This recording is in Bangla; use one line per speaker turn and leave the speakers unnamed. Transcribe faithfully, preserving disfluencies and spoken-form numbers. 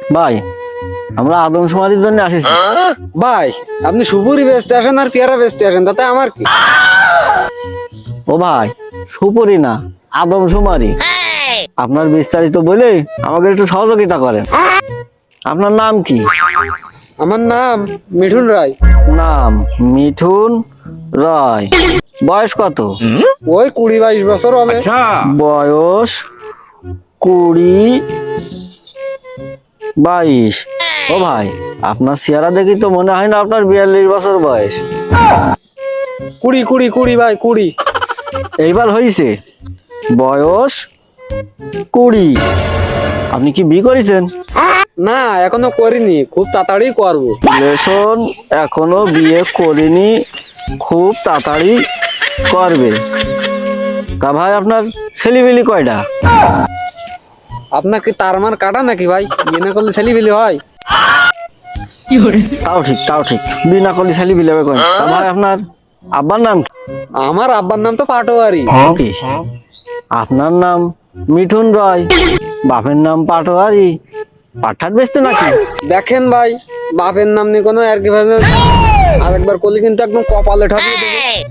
ভাই আমরা আদমশুমারির জন্য আসিছি।
ভাই আপনি সুপুরি বেচতে আসেন আর পেয়ারা বেচতে আসেন, তাতে আমার কি?
ও ভাই, সুপুরি না, আদমশুমারি। আপনার বিস্তারিত বলে আমাকে একটু সহযোগিতা করেন। আপনার নাম কি?
আমার নাম মিঠুন রায়।
নাম মিঠুন রায়। বয়স কত?
ওই কুড়ি বাইশ বছর হবে।
বয়স কুড়ি বাইশ। ও ভাই, আপনার চেহারা দেখি তো মনে হয় না আপনার বিয়াল্লিশ বছর বয়স।
কুড়ি কুড়ি কুড়ি ভাই কুড়ি।
এইবার হয়েছে বয়স কুড়ি। আপনি কি বিয়ে করেছেন?
না এখনো করিনি, খুব তাড়াতাড়ি করবো।
রিলেশন এখনো বিয়ে করিনি, খুব তাড়াতাড়ি করবে। তা ভাই আপনার ছেলেপিলি কয়টা?
আপনার কি তার মান কাটা নাকি ভাই? বিয়ে না করলে ছেলে বিলি হয়?
তাও ঠিক, তাও ঠিক, বিনা করলে ছেলেপিলি হবে কয়? তা ভাই আপনার আব্বার নাম কি?
আমার আব্বার নাম তো পাটোয়ারি।
কি? আপনার নাম মিঠুন রয়, বাপের নাম পাটোয়ারি। পাঠার বেচতো নাকি?
দেখেন ভাই, বাপের নাম নিয়ে কোনো আর কি ভাই আরেকবার করলে কিন্তু একদম কপালে ঠাপিয়ে দেবো।